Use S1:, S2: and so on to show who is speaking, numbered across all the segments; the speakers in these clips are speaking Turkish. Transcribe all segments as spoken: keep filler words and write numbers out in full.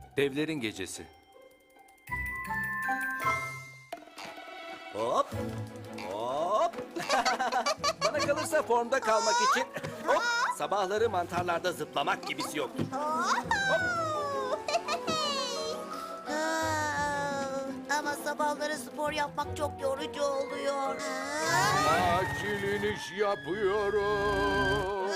S1: Devlerin Gecesi.
S2: Hop. Hop. Bana kalırsa formda kalmak için hop, sabahları mantarlarda zıplamak gibisi yoktur.
S3: Aa, ama sabahları spor yapmak çok yorucu oluyor.
S4: Acil iniş yapıyorum.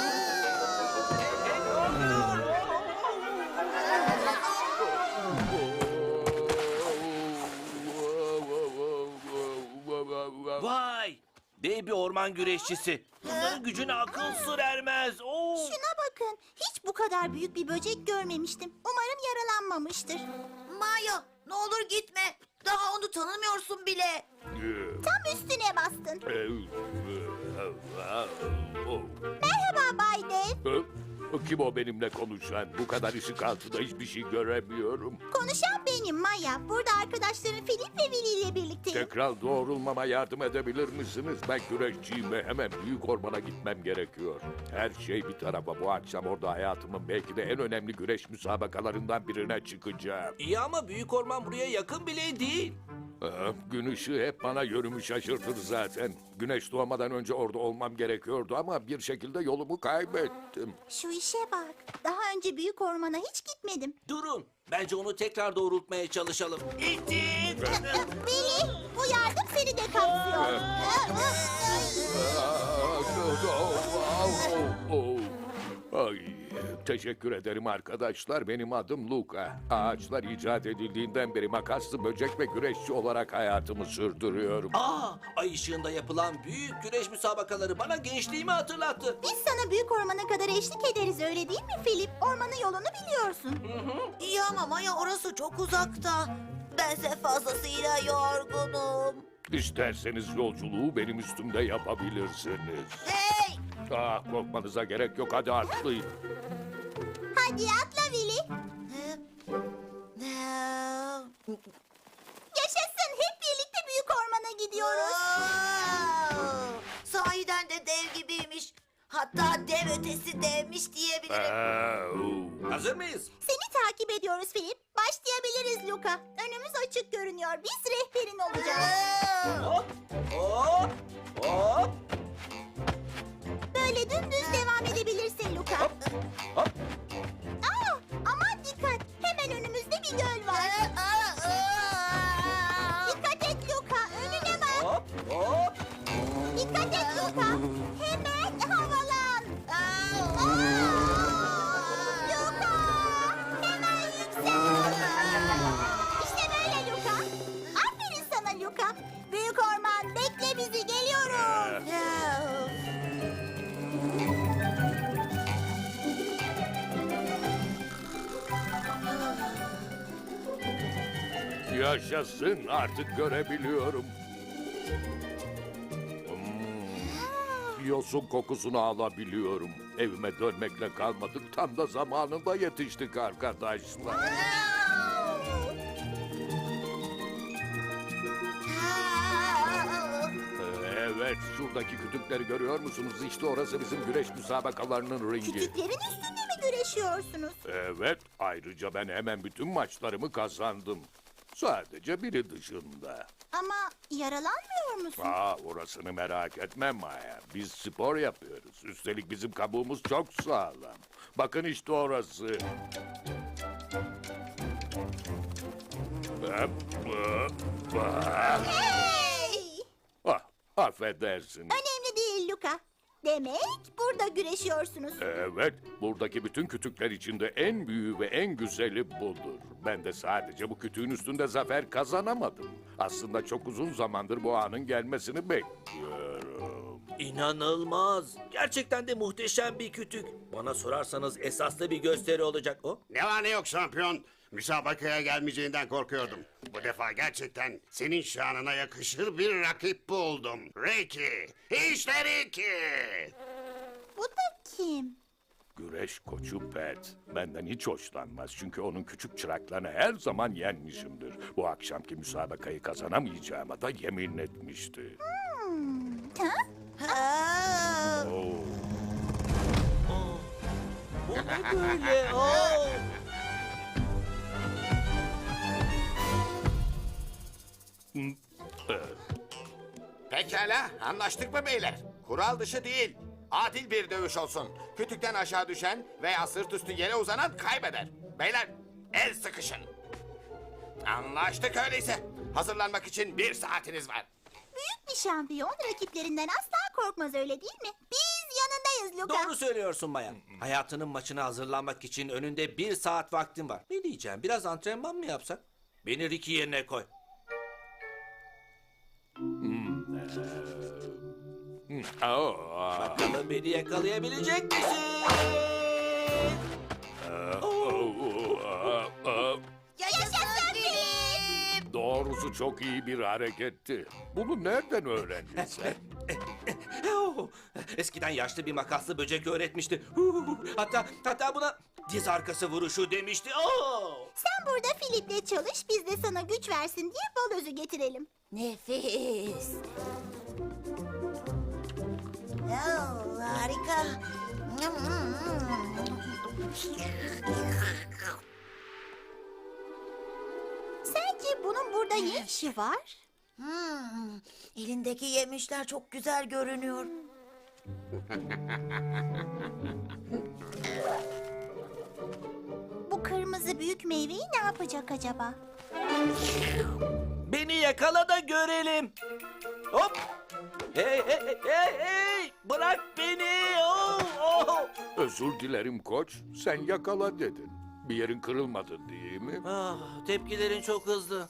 S2: Vay! Dev bir orman güreşçisi. Bunların gücüne akıl sır ermez. Oo.
S3: Şuna bakın. Hiç bu kadar büyük bir böcek görmemiştim. Umarım yaralanmamıştır. Maya, ne olur gitme. Daha onu tanımıyorsun bile. Tam üstüne bastın. Merhaba Bay Dev.
S4: Kim o benimle konuşan? Bu kadar ışık altında hiçbir şey göremiyorum.
S3: Konuşan benim Maya. Burada arkadaşlarım Filip ve Willy ile birlikteyim.
S4: Tekrar doğrulmama yardım edebilir misiniz? Ben güreşçiyim ve hemen büyük ormana gitmem gerekiyor. Her şey bir tarafa, bu akşam orada hayatımın belki de en önemli güreş müsabakalarından birine çıkacağım.
S2: İyi ama büyük orman buraya yakın bile değil.
S4: Ah, gün ışığı hep bana yönümü şaşırtır zaten. Güneş doğmadan önce orada olmam gerekiyordu ama bir şekilde yolumu kaybettim.
S3: Şu işe bak. Daha önce büyük ormana hiç gitmedim.
S2: Durun. Bence onu tekrar doğrultmaya çalışalım. İttir!
S3: Willy, bu yardım seni de kapsıyor.
S4: Ay, teşekkür ederim arkadaşlar. Benim adım Luka. Ağaçlar icat edildiğinden beri makaslı böcek ve güreşçi olarak hayatımı sürdürüyorum.
S2: Aa, ay ışığında yapılan büyük güreş müsabakaları bana gençliğimi hatırlattı.
S3: Biz sana büyük ormana kadar eşlik ederiz, öyle değil mi Filip? Ormanın yolunu biliyorsun. İyi ama Maya, orası çok uzakta. Bense fazlasıyla yorgunum.
S4: İsterseniz yolculuğu benim üstümde yapabilirsiniz.
S3: Hey!
S4: Ah, korkmanıza gerek yok. Hadi atlayın.
S3: Hadi atla Willy. Yaşasın, hep birlikte büyük ormana gidiyoruz. Sahiden de dev gibiymiş. Hatta dev ötesi devmiş diyebilirim.
S4: Ah,
S2: Hazır mıyız?
S3: Seni takip ediyoruz Filip. Başlayabiliriz Luka. Önümüz açık görünüyor. Biz rehberin olacağız.
S2: Hop, hop, hop,
S3: Böyle dümdüz devam edebilirsin Luka.
S2: hop, hop.
S3: Aa, aman dikkat. Hemen önümüzde bir göl var. Dikkat et Luka. Önüne bak.
S2: Hop, hop.
S3: Dikkat et Luka. Hemen havalan. Aa! Luka. Hemen yüksel. İşte böyle Luka. Aferin sana Luka. Büyük orman, bekle bizi, geliyoruz.
S4: yaşasın, artık görebiliyorum. Hmm, yosun kokusunu alabiliyorum. Evime dönmekle kalmadık. Tam da zamanında yetiştik arkadaşlar. Evet, şuradaki kütükleri görüyor musunuz? İşte orası bizim güreş müsabakalarının ringi.
S3: Kütüklerin üstünde mi güreşiyorsunuz?
S4: Evet, ayrıca ben hemen bütün maçlarımı kazandım. Sadece biri dışında.
S3: Ama yaralanmıyor musun?
S4: Aa, orasını merak etme Maya. Biz spor yapıyoruz. Üstelik bizim kabuğumuz çok sağlam. Bakın işte orası.
S3: Hey!
S4: Ah, affedersin.
S3: Önemli değil Luka. Demek burada güreşiyorsunuz.
S4: Evet, buradaki bütün kütükler içinde en büyüğü ve en güzeli budur. Ben de sadece bu kütüğün üstünde zafer kazanamadım. Aslında çok uzun zamandır bu anın gelmesini bekliyorum.
S2: İnanılmaz. Gerçekten de muhteşem bir kütük. Bana sorarsanız esaslı bir gösteri olacak o.
S5: Ne var ne yok şampiyon. Müsabakaya gelmeyeceğinden korkuyordum. Bu defa gerçekten senin şanına yakışır bir rakip buldum. Ricky, işte Ricky.
S3: Bu da kim?
S4: Güreş koçu Pet. Benden hiç hoşlanmaz çünkü onun küçük çıraklarını her zaman yenmişimdir. Bu akşamki müsabakayı kazanamayacağıma da yemin etmişti.
S3: Ha? Aa!
S4: Oo.
S2: Bu ne böyle? Oo.
S1: Pekala, anlaştık mı beyler? Kural dışı değil, adil bir dövüş olsun. Kütükten aşağı düşen veya sırt üstü yere uzanan kaybeder. Beyler, el sıkışın. Anlaştık öyleyse. Hazırlanmak için bir saatiniz var.
S3: Büyük bir şampiyon rakiplerinden asla korkmaz, öyle değil mi? Biz yanındayız Luka.
S2: Doğru söylüyorsun bayan. Hayatının maçına hazırlanmak için önünde bir saat vaktin var. Ne diyeceğim, biraz antrenman mı yapsak? Beni Ricky yerine koy.
S4: Oh,
S2: Bakalım beni yakalayabilecek misin?
S4: oh, oh, oh.
S3: Yaşasın Filip.
S4: Doğrusu çok iyi bir hareketti. Bunu nereden öğrendin sen?
S2: Oh, eskiden yaşlı bir makaslı böcek öğretmişti. Huhuhu. Hatta hatta buna diz arkası vuruşu demişti. Oh!
S3: Sen burada Filip'le çalış, biz de sana güç versin diye bal özü getirelim. Nefis. Oh, harika. Sence bunun burada ne işi var?
S6: Hmm, elindeki yemişler çok güzel görünüyor.
S3: Bu kırmızı büyük meyveyi ne yapacak acaba?
S2: Beni yakala da görelim. Hop! Hey hey hey hey! hey! Bırak beni! Oh, oh!
S4: Özür dilerim koç. Sen yakala dedin. Bir yerin kırılmadı değil mi?
S2: Ah, tepkilerin çok hızlı.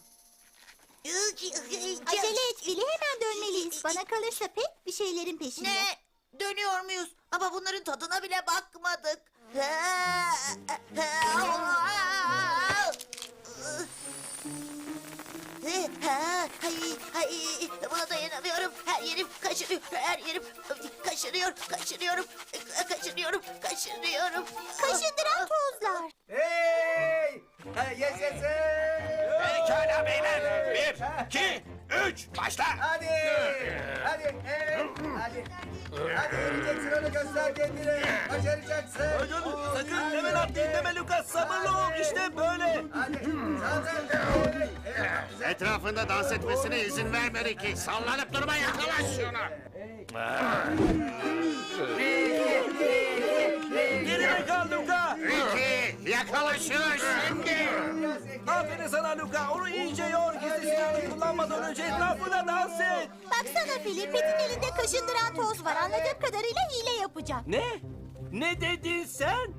S3: Acele et Fili, hemen dönmeliyiz. Bana kalırsa pek bir şeylerin peşinde.
S6: Ne? Dönüyor muyuz? Ama bunların tadına bile bakmadık. Hay, hay, buna dayanamıyorum. Her yerim kaşınıyor, her yerim kaşınıyor, kaşınıyorum, kaşınıyorum, kaşınıyorum.
S3: Kaşındıran tozlar.
S7: Hey! Ha, yaşasın!
S1: Pekala beyler. Bir, iki, üç, başla.
S7: Hadi! Hadi! Evet! Hadi! Hadi yeneceksin, onu göster kendine! Başaracaksın!
S2: Sakın hemen atlayın deme Lucas. Sabırlı ol. İşte böyle.
S7: Hadi! Sağdan! Evet! Evet!
S5: Etrafında dans etmesine izin verme Ricky. Sallanıp durma, yakala şunu.
S2: Geride kal Luka.
S5: Ricky, yakala şunu şimdi.
S2: Aferin sana Luka. Onu iyice yor. Gizli silahını kullanmadan önce etrafına dans et.
S3: Baksana Fili, Pet'in elinde kaşındıran toz var. Anladığım kadarıyla hile yapacak.
S2: Ne? Ne dedin sen?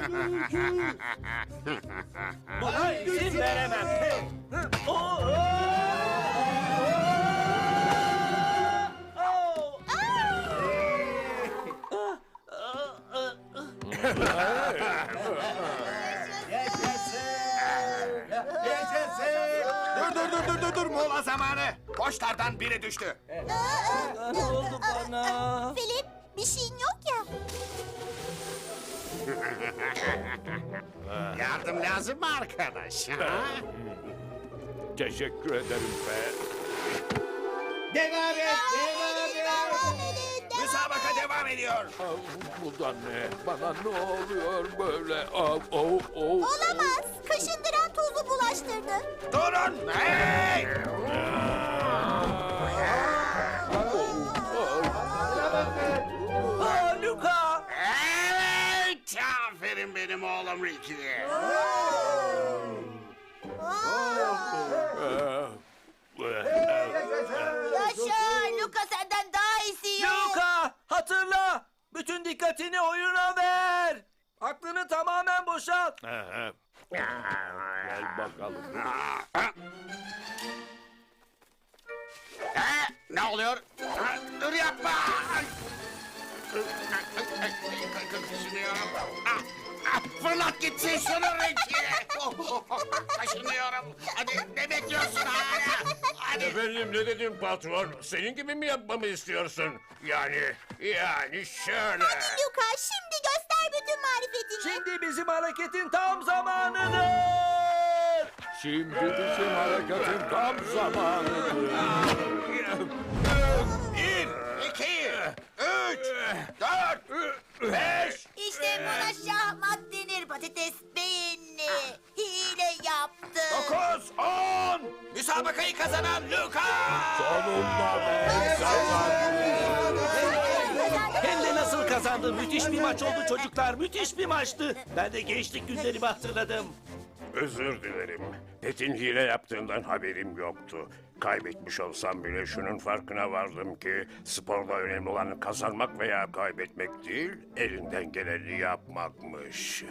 S2: Buna izin veremem. Oh, oh. Oh.
S7: Yaşasın!
S1: Dur dur dur dur dur dur mola zamanı. Koçlardan biri düştü.
S2: Ne oldu bana?
S3: Filip, bir şeyin yok ya.
S5: Yardım lazım mı arkadaş? Ha?
S4: Teşekkür ederim be.
S7: Devam et! Devam et!
S3: Devam edin, devam.
S1: Müsabaka devam ediyor.
S4: Ah, bu da ne? Bana ne oluyor böyle? Ah, oh, oh.
S3: Olamaz. Kaşındıran tozu bulaştırdı.
S1: Durun. Hey!
S2: Aa, Luka!
S5: Evet! Aferin benim oğlum Ricky.
S6: Yaşa, Luka senden daha iyisi yok.
S2: Luka! Hatırla! Bütün dikkatini oyuna ver! Aklını tamamen boşalt.
S4: Aha. Gel bakalım.
S5: Ha, ne oluyor? Ha, dur yapma! Kaşınıyorum. Ah, ah, fırlat gitsin şunu Ricky! Kaşınıyorum. Hadi ne bekliyorsun hala? Hadi.
S8: Efendim ne dedim patron? Senin gibi mi yapmamı istiyorsun? Yani, yani şöyle.
S3: Luka, şimdi göster bütün marifetini.
S2: Şimdi bizim hareketin tam zamanıdır.
S4: Şimdi bizim hareketin tam zamanıdır.
S1: Bir, iki, üç, dört, beş.
S6: İşte buna şahmat denir, patates beyinli. Hile yaptı.
S1: Dokuz, on. Müsabakayı kazanan Luka!
S4: Sonunda ben kazandım.
S2: Hem de nasıl kazandı? Müthiş bir maç oldu çocuklar. Müthiş bir maçtı. Ben de gençlik günlerimi hatırladım.
S8: Özür dilerim. Pet'in hile yaptığından haberim yoktu. Kaybetmiş olsam bile şunun farkına vardım ki sporda önemli olan kazanmak veya kaybetmek değil, elinden geleni yapmakmış.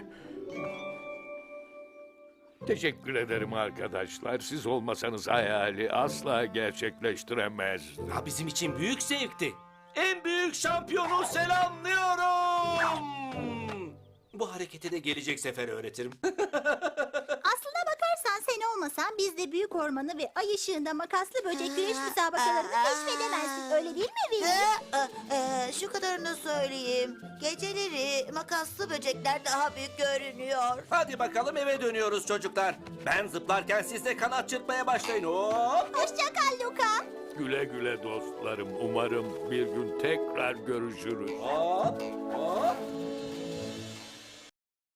S4: Teşekkür ederim arkadaşlar. Siz olmasanız hayali asla gerçekleştiremezdim.
S2: Ha, bizim için büyük zevkti. En büyük şampiyonu selamlıyorum. Bu hareketi de gelecek sefer öğretirim.
S3: Aslına bakarsan sen olmasan biz de büyük ormanı ve ay ışığında makaslı böcek güreş müsabakalarını keşfedemezdik. Öyle değil mi Willy?
S6: Ee, e, şu kadarını söyleyeyim. Geceleri makaslı böcekler daha büyük görünüyor.
S2: Hadi bakalım eve dönüyoruz çocuklar. Ben zıplarken siz de kanat çırpmaya başlayın. Hop.
S3: Hoşça kal Luka.
S4: Güle güle dostlarım. Umarım bir gün tekrar görüşürüz.
S2: Hop. Hop.